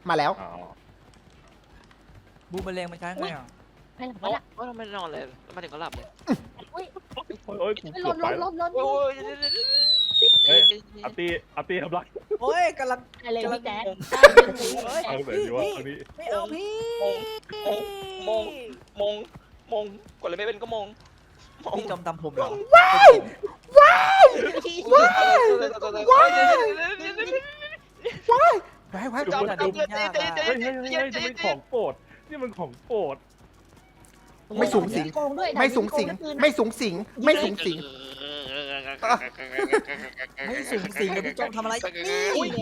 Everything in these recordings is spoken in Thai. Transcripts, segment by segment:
มาแล้วบูมแมลงมันใช้ไงอ่ะไปหลับโอ้ไปละยทำไมนอนเลยมาถึงก็หลับเลยโอ้ยกูไปเกือบไปแล้วล้นโอ้ยเฮ้ยอาตีทำไรโอ้ยกำลังอะไรพี่แจ๊คเฮ้ยเอาแบบนี้วะอันนี้ไม่เอาพี่มงกดอะไรไม่เป็นก็มงพี่จอมตำผมเหรอไว้ไว้จอมแต่จอดูมยากเฮ้ยนี่มันของโปรดนี่มันของโปรดไม่สูงสิงโกงด้วยไม่สูงสิงไม่สูงสิงไม่สูงสิงไม่สูงสิงกับพี่จอมทำอะไรอุ้ย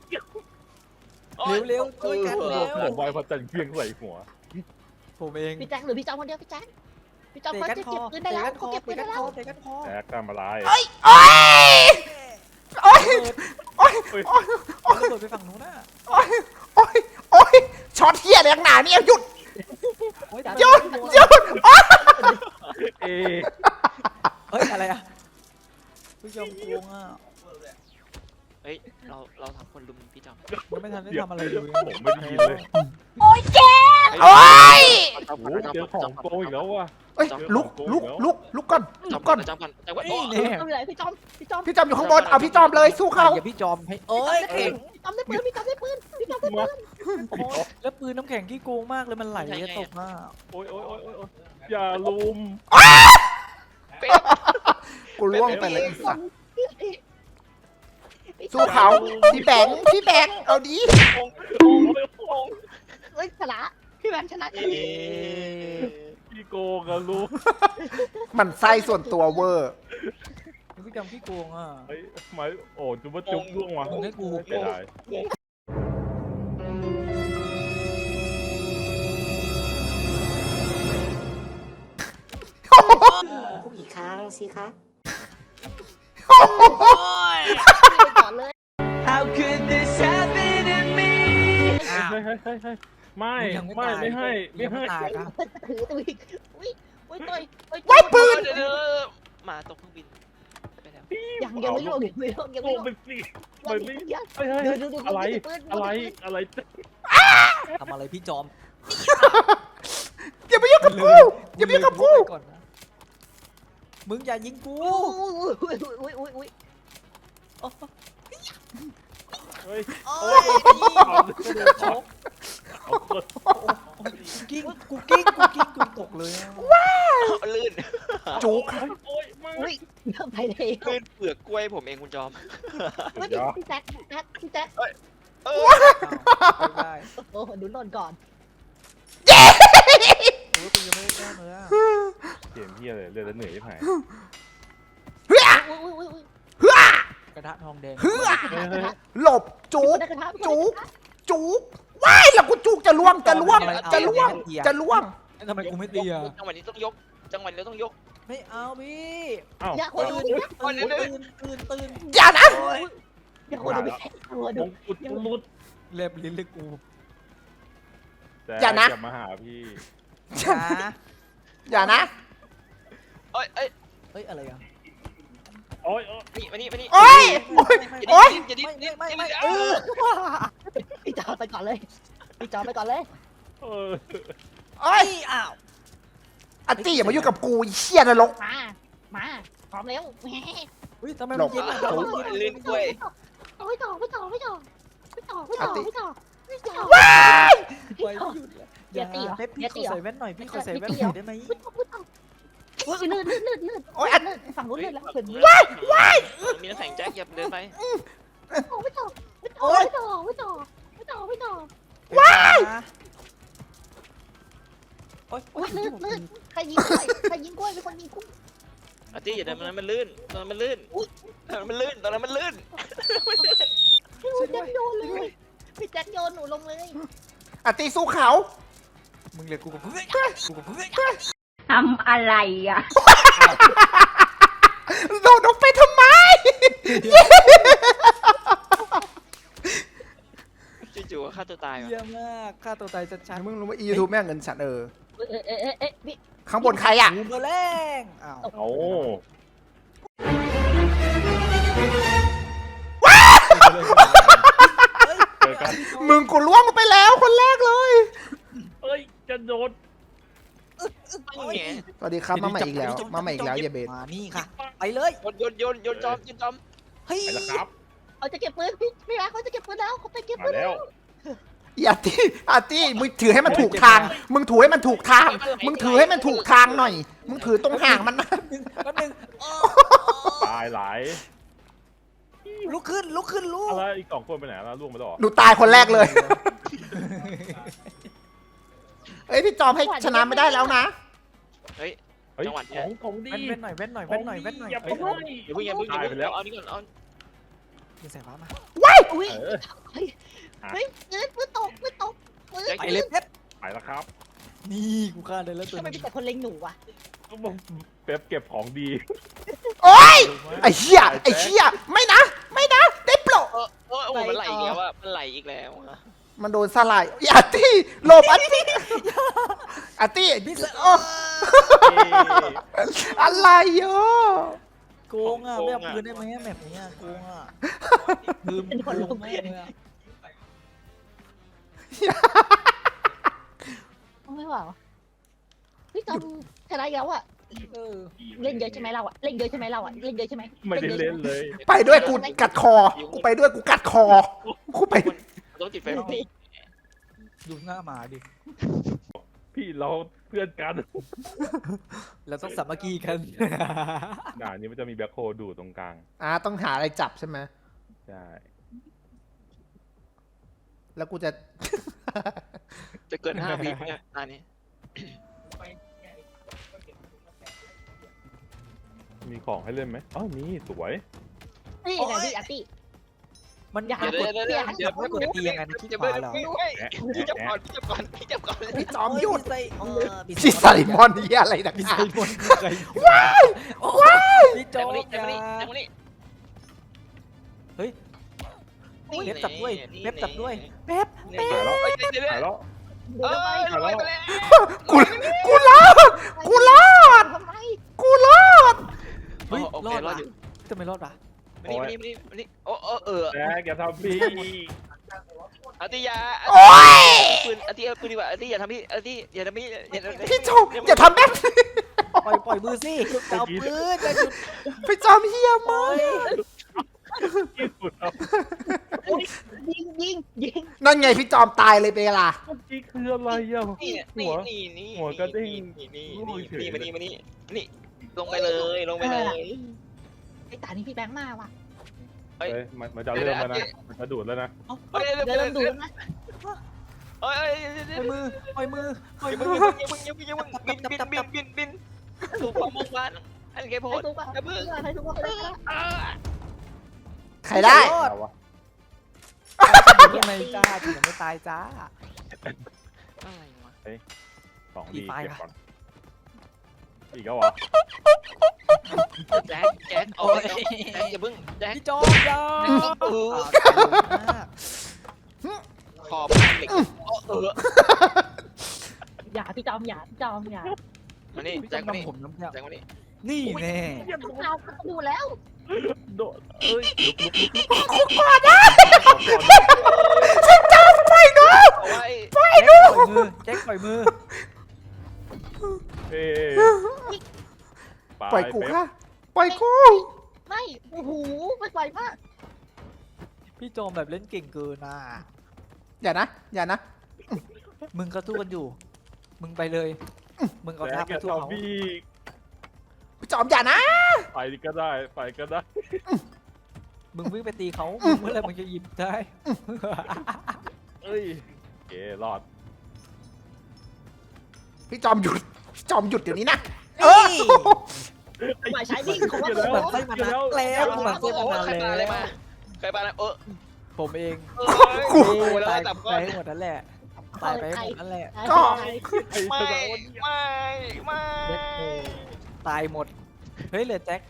เร็วช่วยกันเร็วผมไวพอจันเพียงใส่หัวผมเองพี่แจ๊คหรือพี่จอมคนเดียวพี่แจ๊คพี่จอมเขาจะเก็บปืนได้แล้วเขาเก็บปืนได้แล้วเตะกันคอแอกทำอะไรโอ้ยโอ้ยโอ้ยเอาระเบิดไปฝั่งนู้นน่ะโอ้ยโอ้ยโอ้ยช็อตเฮียแรงหนาเนี่ยหยุด หยุดหยุดเอเฮ้ยอะไรอ่ะพี่จอมโกงอ่ะเฮ้ยเราทำคนลุมพี่จอมยังไม่ทันได้ทำอะไรเลยผมไม่ได้ยินเลยโอ้ยโอ้เจอของโกอีกแล้วว่ะเอ้ยลุกก่อนจอมก่อนจอมกันแต่ว่านี่เนี่ยไม่เป็นไรพี่จอมพี่จอมอยู่ข้างบนเอาพี่จอมเลยสู้เขาอย่าพี่จอมให้เอ้ยแข็งพี่จอมได้ปืนพี่จอมได้ปืนพี่จอมได้ปืนแล้วปืนน้ำแข็งที่โกงมากเลยมันไหลตกมาโอ้ยอย่าลุมกูล่วงไปเลยไอ้สัสสู้เขาพี่แบงค์เอาดีเฮ้ยชนะพี่แบงค์ชนะพี่โกงอะลุมมันไส้ส่วนตัวเวอร์พี่จอมพี่โกงอ่ะไอ้ไม้โอ้จุ๊บจุ๊บล่วงว่ะมึงให้กูไม่ได้อีกครั้งสิคะโอ้ยไปก่อนเลย How could this happen to me เฮ้ยไม่ให้ตายครับถือตัวอีกอุ้ยต่อยไว้ปืนมาตกเครื่องบินไปแล้วยังไม่ลงยังไม่ลงยังโกไม่งลงไปสิไปสิยังเฮ้ยอะไรทำอะไรพี่จอมอย่าไปยุ่งกับกูอย่าไปยุ่งกับกูก่อนนะมึงอย่ายิงกูอุ้ยเฮ้ยโอ้ยกิ้งกูตกเลยอะลื่นจุกอุ้ยเริ่มไปเลยลื่นเปลือกกล้วยผมเองคุณจอมพี่แจ๊คเออไม่ได้โอ้ดูหล่นก่อนโอ้ยกูยังไม่ได้แก้เลยอะเกมเฮียเลยเรือแล้วเหนื่อยที่ไหนอุ้ยกระทะทองแดงหลบจุกว้ายแล้วกูจุกจะล่วงทำไมกูไม่ตีอ่ะจังหวะนี้ต้องยกจังหวะนี้ต้องยกไม่เอาพี่อ้าวอย่าคนดูตื่นอย่านะอย่าคนดูดูมงกุฎรุดเล็บลิ้นเลยกูแต่อย่ามาหาพี่จ้าอย่านะเอ้ยเฮ้ยอะไรอ่ะโอ้ยนี่มานี่โอ้ยอย่าดิ้นไม่พี่จอไปก่อนเลยพี่จอไปก่อนเลยเออโอ้ยอ้าวอันตี้อย่ามายุ่งกับกูเชี่ยนรกมาพร้อมแล้วอุ้ยทำไมมันเย็นอ่ะลื่นกล้วยไม่ต่อไปหยุดเลยอย่าตีเหรอเล็บพี่ขอใส่แว่นหน่อยพี่ขอใส่แว่นหน่อยได้ไหมโอ้ยลื่นโอ้ยอันฝั่งนู้นลื่นแล้วเห็นมีน้ำแข็งแจ็คอย่าเดินไปไม่ต่อว้ายโอ้ยลื่นใครยิงกล้วยเป็นคนยิงกุ้งอาร์ตี้อย่าเดินมันลื่นตอนนั้นมันลื่นพี่แจ็คโยนเลยพี่แจ็คโยนหนูลงเลยอันตี้สู้เขามึงเลยกูกับเพื่อนทำอะไรอ่ะโดดลงไปทำไมจู่ๆฆ่าตัวตายเยี่ยมมากฆ่าตัวตายชัดมึงรู้ว่ายูทูบแม่งเงินฉันพี่ข้างบนใครอ่ะๆบูมเบอร์แรงอ้าวโอ้เอกันมึงกูล่วงไปแล้วคนแรกเลยเอ้ยจะโดนนี่ไงสวัสดีครับมาใหม่อีกแล้วมาใหม่อีกแล้วอย่าเบสมานี่ค่ะ ไปเลยโยนจอมเฮ้ยไปแล้วครับเขาจะเก็บปืนพี่รักเขาจะเก็บปืนแล้วเขาไปเก็บมาปืนแล้วอย่าตี้อาตี้มึงถือให้มันถูกทาง มึงถือให้มันถูกทาง มึงถือให้มันถูกทางหน่อย มึงถือตรงห่างมันนะแป๊บนึงตายหลายลุกขึ้นลุกอะไรอีก2 คนไปไหนแล้วล่วงไปแล้วเหรอหนูตายคนแรกเลย เอ้ยพี่จอมให้ชนะไม่ได้แล้วนะเฮ้ยเฮ้ยจังหวะเนี้ยของดีเว้นหน่อยเว้นหน่อยเว้นหน่อยเว้นหน่อยอย่าไปเฮ้ยให้อย่าเพิ่งตายไปแล้วเอานี่ก่อนเอายิงสายฟ้ามาอุ้ยเออเฮ้ยเงินปืนตกปืนไปเลยเพชรไปแล้วครับนี่กูฆ่าได้แล้วตัวทำไมนึมีงแต่คนเล็งหนูวะเป๊ปเก็บของดีโอ๊ยไอ้เหี้ยไอ้เหี้ยไม่นะ ไม่นะ ได้โปรดโอ้โหมันไหลอีกแล้วอะมันไหลอีกแล้วอะมันโดนสลายอาร์ตี้หลบอาร์ตี้อาร์ตี้พี่เสกโอ้อะไรโยโกงอ่ะไม่เอาปืนได้ไหมแบบนี้โกงอ่ะลืมโกงแม่เลยอ่ะไม่ไหวพี่จอมชนะแล้วอ่ะเออเล่นเยอะใช่ไหมเราอ่ะเล่นเยอะใช่ไหมเราอ่ะเล่นเยอะใช่ไหมไม่ได้เล่นเลยไปด้วยกูกัดคอ กูไปด้วยกูกัดคอ กูไปต้องติดไฟฟ้าดูหน้าหมาดิพี่เราเพื่อนกันเราต้องสามัคคีกันด่านนี้มันจะมีแบ็คโฮดูดตรงกลางต้องหาอะไรจับใช่ไหมใช่แล้วกูจะจะเกิน5 วิเนี่ยอันนี้มีของให้เล่นไหมอ๋อมีสวยนี่นะพี่อาร์ตี้มันอย่ากดเดี๋ยวไม่กดตียังไงนะที่ขวาเหรอพี่จับก่อนพี่จับก่อนพี่จอมหยุดพี่ชิไซมอนนี่อะไรนักพี่หไซนามอนว้ายว้ายพี่โจ๊แจ็คกมานี่อย่าแจ็คมานี่เฮ้ย เว็บจับด้วยนี่เว็บจับด้วยเว็บนี่หายแล้วเดี๋ยวหายแล้วเดี๋ยวไปลอยไปแล้วกูรอด กูรอดทำไมกูรอดเฮ้ยโอรเคอดรอว่ะดอยู่ทำไมรอดวะมานี่โอ้แจ็คอย่าทำพี่อาติยาโอ๊ยปืนอาติเอาปืนดีกว่าอาติอย่าทำพี่อาติอย่าทำพี่อย่าทำพี่จอมอย่าทำแบบนี้ปล่อยมือสิจะเอาปืนจะหยุดพี่จอมเฮียมากที่สุดครับยิงนั่นไงพี่จอมตายเลยเปล่านี่คืออะไรอ่ะนี่หัวนี่หัวกระเด้งนี่โอ้ยเฉยมานี่นี่ลงไปเลยลงไปเลยไอ้ตานี่พี่แบงค์มาว่ะเฮ้ยมันจะเริ่มแล้วนะมันจะดูดแล้วนะเดี๋ยวเราดูนะเอ้ยปล่อยมือปล่อยอย่ามืมึองบินถูกความมุ่งมั่นอันแกโพให้ดทุกคนให้ทุกคนไปเลยใครได้เอาวะยังไงจ้าถึงไม่ตายจ้าอะไรวะของดีอีกไฟเก็บปะก่อนอีกแล้วเหรอแจ็คโอ้ยแจ็คอย่าพึ่งแจ็คพี่จอมยาขอบเหล็กอย่าพี่จอมอย่ามานี่พี่จแจ็อคมมานี่นำผมน้ำเนี่ยแจ็คมานี่นี่แน่เราดูแล้วโดดเอ้ยลุกพี่จอมไปดูเอาไว้ปล่อยมือแจ็คปล่อยมือเอ้ปล่อยกูค่ะปล่อยกูไม่โอ้โหไม่ไหวมากพี่จอมแบบเล่นเก่งเกินอ่ะอย่านะมึงก็สู้กันอยู่ มึงไปเลย มึงเอาแจ็ท่าคไปอย่าสู้เขาทำพี่พี่จอมอย่านะไปก็ได้ไปก็ได้มึงวิ่งไปตีเขามึงเมื่อไรมึงจะหยิบได้เอ้ยเก๋รอดพี่จอมหยุดพี่จอมหยุดเดี๋ยวนี้นะหมายใช้วิ่งของมึงเราเหมือนไส้มันนัดแล้วมึงเหมือนไส้มันนัดใครปาอะไรแล้วมาใครปาอะไรผมเองโอ้โหแล้วตายจับไปก้อนให้หมดนั่นแหละตายไปให้หมดนั่นแหละไม่ตายหมด เฮ้ยเหลือแจ็ค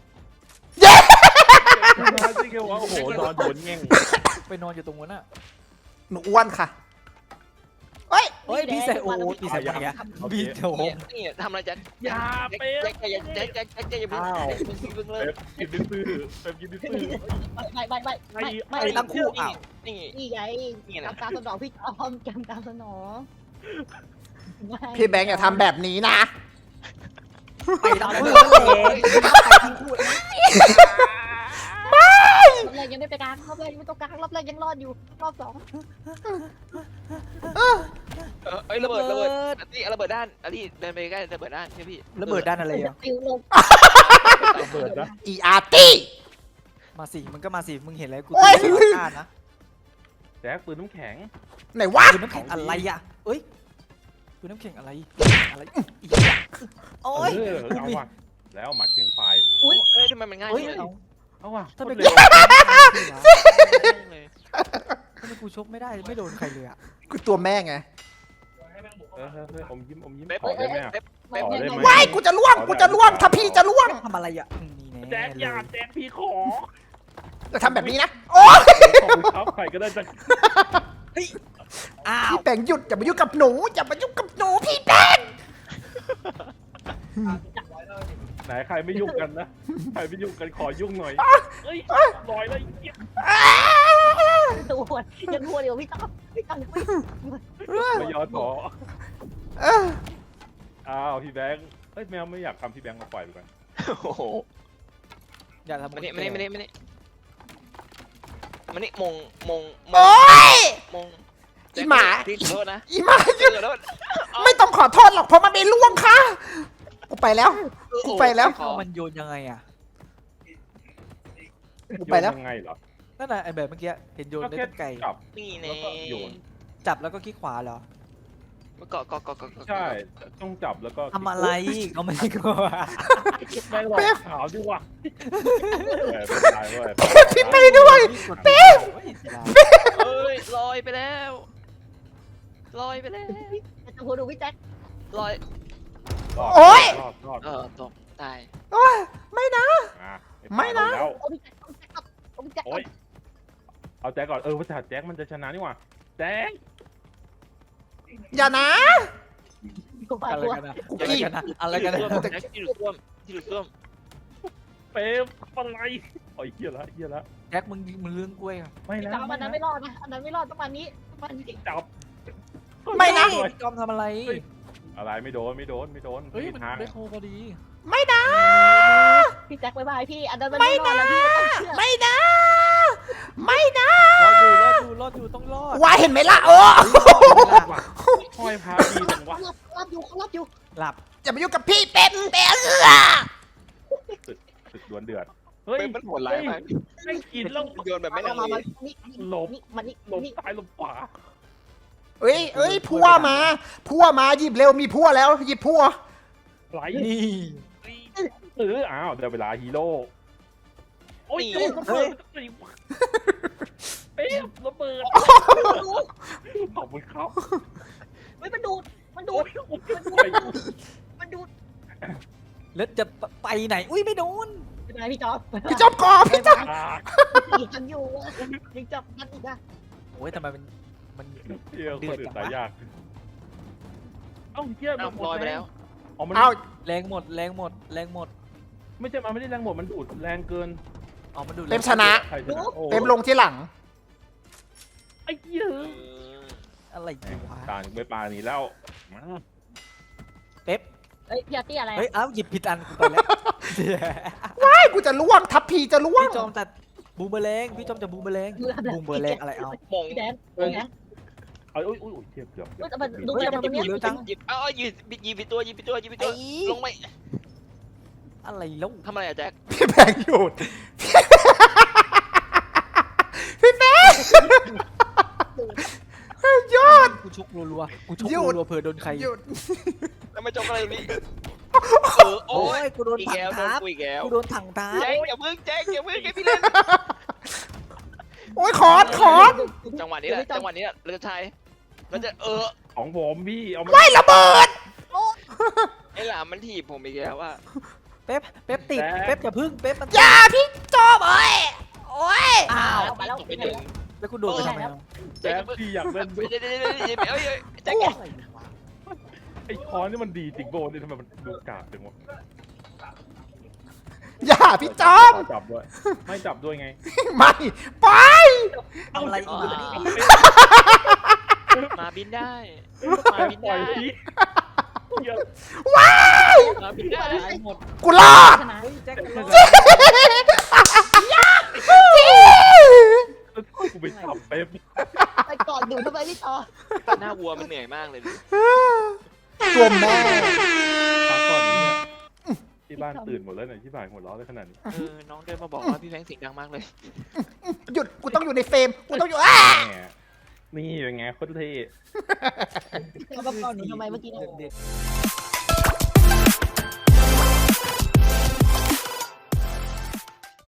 จริงๆว่าโอ้โหนอนโดนแง่งไปนอนอยู่ตรงนั้นอ่ะหนูอ้วนค่ะเฮ้ยเฮ้ยพี่ใส่โอ้พี่ใส่อะไรอะพี่โถนี่ทำอะไรแจ็คอย่าเป๊ะแจ็คอย่าเพิ่งอ้าวเพิ่งเลยเป๊ปกินดื้อเป๊ปกินดื้อไม่ไอ้ตั้งคู่อ้าวนี่นี่ไงทำตามสนองพี่จอมจำตามสนองพี่แบงค์อย่าทำแบบนี้นะไปตั้งคู่รอบแรกยังไม่ไปกลางรอบแรกยังไม่ต้องกลางรอบแรกยังรอดอยู่รอบสองเอ้ยระเบิดนี่ระเบิดด้านอันนี้เดินไปใกล้ระเบิดด้านใช่พี่ระเบิดด้านอะไรอ่ะติวลงระเบิดนะอีอาร์ตี้มาสิมึงก็มาสิมึงเห็นอะไรกูโอ้ยอ่านนะแจ็คปืนน้ำแข็งไหนวะปืนน้ำแข็งอะไรอ่ะเอ้ยปืนน้ำแข็งอะไรอะไรอีกโอ้ยเอาว่ะแล้วหมัดเพียงไฟเอ้ยทำไมมันง่ายเฮ้ยเลยเอาว่ะถ้าเป็นเร็กูวทำไมกูชกไม่ได้ไม่โดนใครเลยอ่ะกูตัวแม่ไงอมยิ้มเป๊ปขอได้ไหมเป๊ปขอได้ไหมว้ายกูจะล่วงถ้าพี่จะล่วงทำอะไรอ่ะนี่แจ็แน่คเลอย่าย แจ็คพี่ขอจะทำแบบนี้นะโอ้ยขอบคุณครับใครก็ได้จะอ้าวพี่แบงค์หยุดอย่ามายุ่งกับหนูอย่ามายุ่งกับหนูพี่แบงค์ไหนใครไม่ยุ่งกันนะใครไม่ยุ่งกันขอยุ่งหน่อยเฮ้ยลอยแล้วตัวยังหัวเดียวพี่จอมพี่จอมยังไม่ไม่ยอมขอเอออ้าวพี่แบงค์เฮ้ยแมวไม่อยากทำพี่แบงค์มาปล่อยไปก่อนโอ้โหอย่าทำมานี่มงโอ้ย อีหมาพี่ขอโทษนะอีหมาพี่ขอโทษไม่ต้องขอโทษหรอกเพราะมันไม่ล่วงค่ะกูไปแล้ว กูไปแล้วเอามันโยนยังไงอ่ะกูไปแล้วยังไงเหรอนั่นน่ะไอแบบเมื่อกี้เห็นโยนได้ตั้งไกลจับนี่แล้แน่วก็โยนจับแล้วก็คลิกขวาเหรอเกาะใช่ต้องจับแล้วก็ทำอะไรก็ไม่กลัวแม่งหลอกขาวดิว่ะตายเว้ยพี่ไปด้วยเป๊ะเอ้ยลอยไปแล้วลอยไปแล้วจะหัวดูพี่แจ็คลอยโอ๊ยรอดตกตายโอ้ยไม่นะ ไม่นะแล้วโอ้พี่แจ็คโอ้พี่แจ็คโอ๊ยเอาแจ็คก่อนว่าแต่แจ็คมันจะชนะนี่หว่าแจ็คอย่านะกูไปอะไรตัวกันนะอะไรกันนะที่หลุดซ่วมเป๊ปอะไรโอ้ยเหี้ยละแจ็คมึงเรื่องกล้วยอ่ะไม่พี่นะจอมอันนั้นไม่รอดนะอันนั้นไม่รอดต้องมานี้จับไม่นะพี่จอมทำอะไรอะไรไม่โดนเฮ้ยมันทางได้โคพอดีไม่นะพี่แจ็คบายบายพี่อันนั้นไม่รอดแล้วพี่ต้องเชื่อไม่นะ ไม่นะรอดอยู่ต้องรอดวายเห็นไหมล่ะห้อยพาดีจังวะรับอยู่หลับอย่ามายุ่งกับพี่เป็นศึกดวลเดือดเฮ้ยมันโหดร้ายมากไม่กินแล้วโยนแบบไม่มาลังมาเลมานี่หลบมานี่หลบซ้ายหลบขวาเอ้ยพัวมาหยิบเร็วมีพัวแล้วหยิบพัวไหลนี่อ้าวเดี๋ยวเวลาฮีโร่โอ้ยเป๊ประเบิดขอบคุณครับมันดูดแล้วจะไปไหนอุ้ยไม่โดนเป็นไงพี่จอมพี่จอบกอพี่จอบยังอยู่ยังจับกันอีกอะโอ้ยทำไมมันเที่ยวคนอื่นตายยากเอ้าเที่ยวลอยไปแล้วอ๋อมันเอาแรงหมดไม่ใช่มันไม่ได้แรงหมดมันดูดแรงเกินอ๋อมันดูเต็มชนะใครชนะโอ้เต็มลงที่หลังไอ้เหี้ยอะไรวะต่างไปปลานี้แล้วเป๊ปเฮ้ยพี่อาร์ตี้อะไรเฮ้ยอ้าวหยิบผิดอันกูไปแล้วว้ายกูจะล่วงทับพีจะล่วงพี่จอมแต่บูมเบอร์แรงพี่จอมจะบูมเบอร์แรงบูมเบอร์แรงอะไรเอามงพี่แดนนะเอาอุ้ยเทียบเกือบแต่มันดูจากตรงนี้เร็วจังหยิบยิบตัวลงไปอะไรแล้วทำอะไรอะแจ็คพี่แบงค์หยุดพี่แบงค์หยุดกูชกรัวๆกูชกหยุดรัวๆเผื่อโดนใครหยุดทำไมจบอะไรนี่โอ้โอ้ยกูโดนอีกถังแล้วโดนทับกูอีกแล้วกูโดนถังทับแจ็คอย่าพึ่งให้พี่เล่นโอ้ยขอดจังหวะนี้แหละเราจะใช้เราจะของผมพี่เอามาว้ายระเบิดไอ้หลามมันถีบผมอีกแล้วว่าเป๊ปติดเป๊ปอย่าพึ่งเป๊ปมันอย่าพี่จอบโอ้ยอ้าวมาแล้วไปหนึ่งแล้วกูโดนไปทำไมอ่ะแจ๊คพี่อยากเล่นด้วยเดี๋ยวแจ็คอะไรวะไอ้ค้อนนี่มันดีจริงโบนี่ทำไมมันดูกากจังวะอย่าพี่จอมจับด้วยไม่จับด้วยไงไม่ไปเอาอะไรอีกอ่ะมาบินได้มาบินปล่ได้อยพี่เหี้ยว้ายมาบินได้ตายหมดกูรอดเฮ้ยแจ็คกูไปจับเป๊ปไปกอดดูทำไมพี่ต่อหน้าวัวมันเหนื่อยมากเลยตัวแม่พักก่อนเนี่ยที่บ้านตื่นหมดแล้วเนี่ยที่บ่ายหัวเราะได้ขนาดนี้น้องเดินมาบอกว่าพี่แฟงเสียงดังมากเลยหยุดกูต้องอยู่ในเฟรมกูต้องอยู่อ้าแหมนี่เป็นไงโคตรเท่พี่ต่อมากอดหนูทำไมเมื่อกี้เนี่ยเด็ก